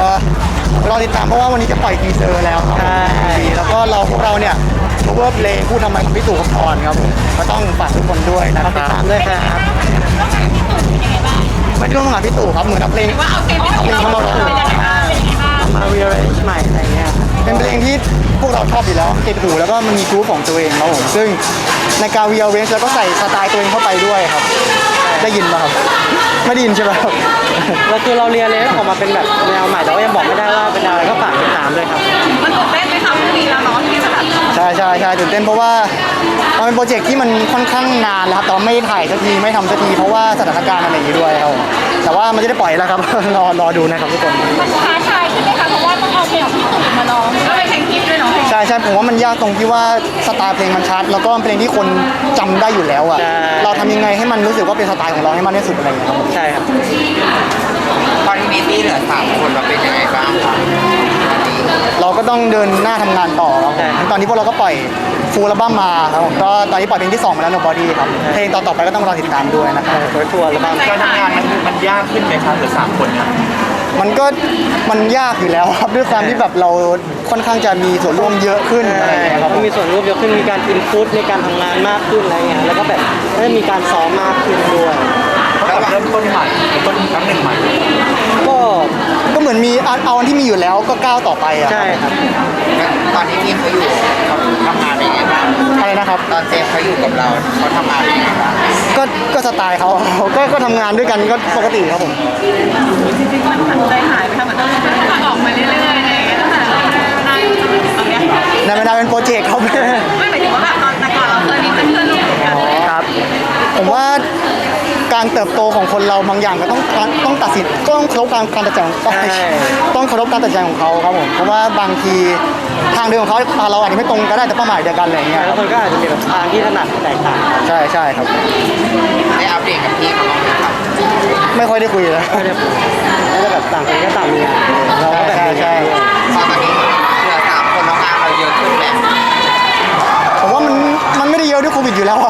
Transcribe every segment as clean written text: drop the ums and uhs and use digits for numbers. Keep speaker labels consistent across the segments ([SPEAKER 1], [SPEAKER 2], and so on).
[SPEAKER 1] รอติดตามเพราะว่าวันนี้จะปล่อยทีเซอร์แล้วครับแล้วก็พวกเราเนี่ยเวิร์กเพลงพูดทำไมของพี่ตู่กับพรครับผมก็ต้องฝากทุกคนด้วยนะครับติดตามด้วยครับไม่ได้ร่วมงานพี่ตู่ครับเหมือนกับเพลงเข้ามาร้องมาเรียลใหม่อะไรเงี้ยเป็นเพลงที่พวกเราชอบอยู่แล้วติดหูแล้วก็มันมีกรุ๊ปของตัวเองครับผมซึ่งในการเรียลเรนจ์แล้วก็ใส่สไตล์ตัวเองเข้าไปด้วยครับได้ยินป่ะครับไม่ได้ยินใช่ไหมครับ
[SPEAKER 2] แล้วคือเราเรียนเลยออกมาเป็นแบบแนวใหม่แต่ว่ายังบอกไม่ได้ว่าเป็นอะไรก็ฝากติดตามด้วยครับ
[SPEAKER 3] มันตื่นเต้นไหมคะพรุ่งนี้แล้วเนาะที่จะแบบ
[SPEAKER 1] ใช่ตื่นเต้นเพราะว่ามันเป็นโปรเจกต์ที่มันค่อนข้างนานแล้วครับแต่ไม่ถ่ายสักทีไม่ทำสักทีเพราะว่าสถานการณ์อะไรอย่างนี้ด้วยครับแต่ว่ามันจะได้ปล่อยแล้วครับ รอดูนะครับทุกคน
[SPEAKER 3] มันท้าทายขึ้นไหมคะเพราะว่าต้องเอาเพลงของพี่ตู่มาร้องก็เป็นเพลงฮิตด้วยเนาะ
[SPEAKER 1] ใช่ผมว่ามันยากตรงที่ว่าสไตล์เพลงมันชัดแล้วก็เพลงที่คนจำได้อยู่แล้วอ่ะเราทำยังไงให้มันรู้สึกว่าเป็นสไตล์ของเราให้มากที่สุดอะไรอย่างเงี้ยครับ
[SPEAKER 2] ใช่ครับ
[SPEAKER 4] ตอนนี้มีเหลือ3 คนเราเป็นยังไงบ้างครับ
[SPEAKER 1] เราก็ต้องเดินหน้าทำงานต่อครับตอนนี้พวกเราก็ปล่อยฟูลอัลบั้มมาครับผมก็ตอนนี้ปล่อยเพลงที่2มาแล้ว Nobody ครับเพลงต่อไปก็ต้องรอติดตามด้วยนะครับ
[SPEAKER 2] ทัวร์อัลบั้ม
[SPEAKER 4] การทำงานมันยากขึ้นไหมครับเหลือ3 คนเนี่ย
[SPEAKER 1] มันยากอยู่แล้วครับด้วยความที่แบบเราค่อนข้างจะมีส่วนร่วมเยอะขึ้นอะไรอย่างเงี้ยครับ
[SPEAKER 2] มีส่วนร่วมเยอะขึ้นมีการอินพุตในการทำงานมากขึ้นอะไรเงี้ยแล้วก็แบบได้มีการซ้อมมากขึ้นด้วย
[SPEAKER 4] แล้วเริ่มต้นใหม่ต้นครั้งหนึ่งใหม่
[SPEAKER 1] ก็เหมือนมีเอาอันที่มีอยู่แล้วก็ก้าวต่อไปอ่ะ
[SPEAKER 2] ใช่ครับ
[SPEAKER 4] ตอนนี้ทีมเขาอยู่เขาทำงานยังไงบ้าง
[SPEAKER 1] อะไรนะครับ
[SPEAKER 4] ตอนเจฟเขาอยู่กับเราเขาทำงานยังไงบ้าง
[SPEAKER 1] ก็สไตล์เขาก็ทำงานด้วยกันก็ปกติครับผม
[SPEAKER 3] จริงๆมันใจหายไปค่ะเหมือนต้องออกมาเรื่อยๆอะไรอย่างเงี้ยตั้งแต่เราได้ตอนนี้
[SPEAKER 1] ในเวลาเป็นโปรเจกต์ครับ
[SPEAKER 3] ไม่หมายถึงว่าแบบตอนแต่ก่อนเราเคยมีเพื่อนๆร่วมกัน
[SPEAKER 1] ครับผมว่าการเติบโตของคนเราบางอย่างก็ต้องตัดสินก็ต้องเคารพการตัดสินต้องเคารพการตัดสินใจของเขาครับผมเพราะว่าบางทีทางเดินของเขาเราอาจจะไม่ตรงก็ได้แต่เป้าหมายเดียวกันอะไรอย่างเงี้ย
[SPEAKER 2] แล้วคนก็อาจจะมีแบบทางที่ถนัดแตกต่าง
[SPEAKER 1] ใช่ครับ
[SPEAKER 4] ได้อัปเดตกับพี่เขาบ้างไหมครับ
[SPEAKER 1] ไม่ค่อยได้คุยเลย
[SPEAKER 2] ไม่ได้แล้วก็แบบต่างคนก็ต่างมีงานเราก็แบบ
[SPEAKER 1] ใช่
[SPEAKER 4] ตอนนี้เหลือ3 คนแล้วงานเราเยอะขึ้นแบบ
[SPEAKER 1] ผมว่ามันไม่ได้เยอะด้วยโควิดอยู่แล้ว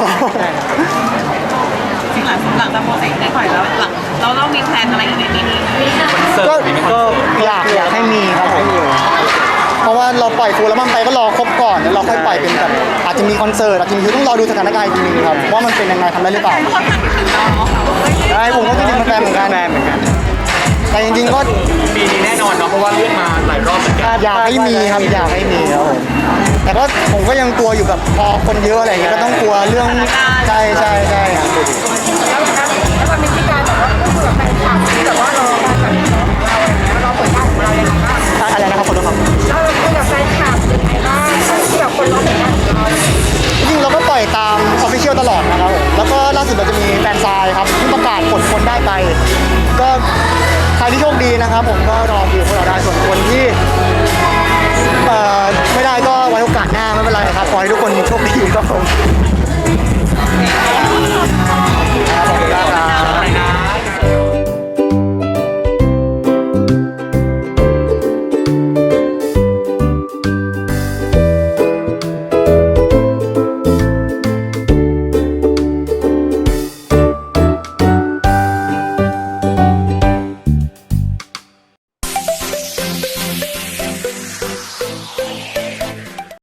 [SPEAKER 3] จริงหลังจากโปรเจกต์ได้ปล่อยแล้วเรามีแพลนอะไรอีกในปีนี้
[SPEAKER 1] ก็อยากให้มีครับผมเพราะว่าเราปล่อยฟูลแล้วมันไปก็รอครบก่อนแล้วเราค่อยปล่อยเป็นแบบอาจจะมีคอนเสิร์ตอาจจะมีต้องรอดูสถานการณ์อีกทีนึงครับว่ามันเป็นยังไงทำได้หรือเปล่าใช่ผมก็คิดถึงแฟนเหมือนกันแต่จริงๆก็
[SPEAKER 4] ปีนี้แน่นอนเนาะเพราะว่าเลื่อนมาหลายรอบเหมือนกัน
[SPEAKER 1] อยากให้มีครับอยากให้มีครับผมแต่ก็ผมก็ยังกลัวอยู่แบบพอคนเยอะอะไรอย่างเงี้ยก็ต้องกลัวเรื่องใช่
[SPEAKER 3] แล้วมันมีที่การแบบว่าก็คือแฟนคลับที่แบบว่ารอการจัดของเราเปิดบ้านของเราอย่างไรบ้าง
[SPEAKER 1] อะไรนะครับคนละครับ
[SPEAKER 3] เราคุยกับแฟนคลับยังไงบ้างที่แบบคนรอเปิดบ้านของเรา
[SPEAKER 1] จริงเราก็ปล่อยตาม Official ตลอดนะครับผมแล้วก็ล่าสุดเราจะมีแฟนซายครับที่ประกาศผลคนได้ไปก็ใครที่โชคดีนะครับผมก็รอดูพวกเราได้ส่วนคนที่ไม่ได้ก็ไว้โอกาสหน้าไม่เป็นไรครับขอให้ทุกคนโชคดีครับผม